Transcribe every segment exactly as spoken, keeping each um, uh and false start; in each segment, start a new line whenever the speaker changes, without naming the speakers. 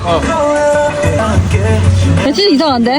어.
야, 진짜 이상한데?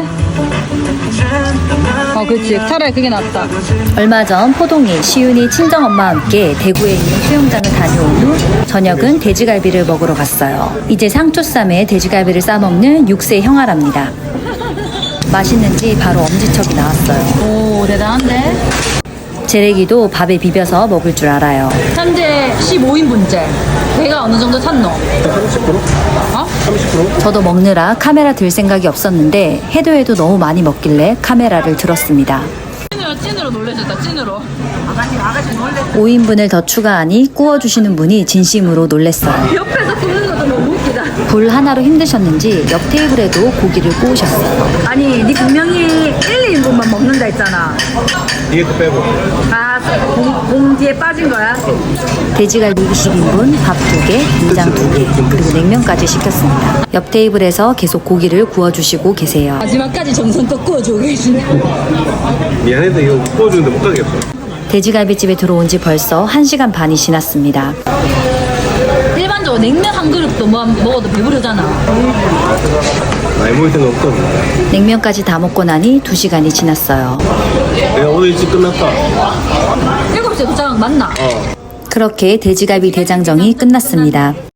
어, 그치. 차라리 그게 낫다.
얼마 전 포동이, 시윤이 친정엄마와 함께 대구에 있는 수영장을 다녀온 후 저녁은 돼지갈비를 먹으러 갔어요. 이제 상추쌈에 돼지갈비를 싸먹는 육 세 형아랍니다. 맛있는지 바로 엄지척이 나왔어요.
오, 대단한데?
재래기도 밥에 비벼서 먹을 줄 알아요.
현재 십오 인분째. 배가 어느 정도 찼노?
삼십 퍼센트?
어?
삼십 퍼센트?
저도 먹느라 카메라 들 생각이 없었는데 해도 해도 너무 많이 먹길래 카메라를 들었습니다.
찐으로, 찐으로 놀래줬다, 찐으로.
오 인분을 더 추가하니 구워주시는 분이 진심으로 놀랬어요.
옆에서 굽는 것도 너무 웃기다.
불 하나로 힘드셨는지 옆 테이블에도 고기를 구우셨어요.
아니, 니 분명히 일, 이 인분만 먹는다 했잖아.
뒤에 거 빼고.
아, 공, 공 뒤에 빠진 거야?
돼지갈비 이십 인분, 밥 두 개, 된장 두 개, 그리고 냉면까지 시켰습니다. 옆 테이블에서 계속 고기를 구워주시고 계세요.
마지막까지 정성껏 구워주고 계시네.
미안해도 이거 구워주는데 못 가겠어.
돼지갈비집에 들어온 지 벌써 한 시간 반이 지났습니다.
일반적으로 냉면 한 그릇도 뭐, 먹어도 배부르잖아.
많이 먹을 때는 없거든.
냉면까지 다 먹고 나니 두 시간이 지났어요.
내가 오늘 일찍 끝났다.
일곱 시에 도착한 거 맞나?
어.
그렇게 돼지갈비 대장정이 끝났습니다.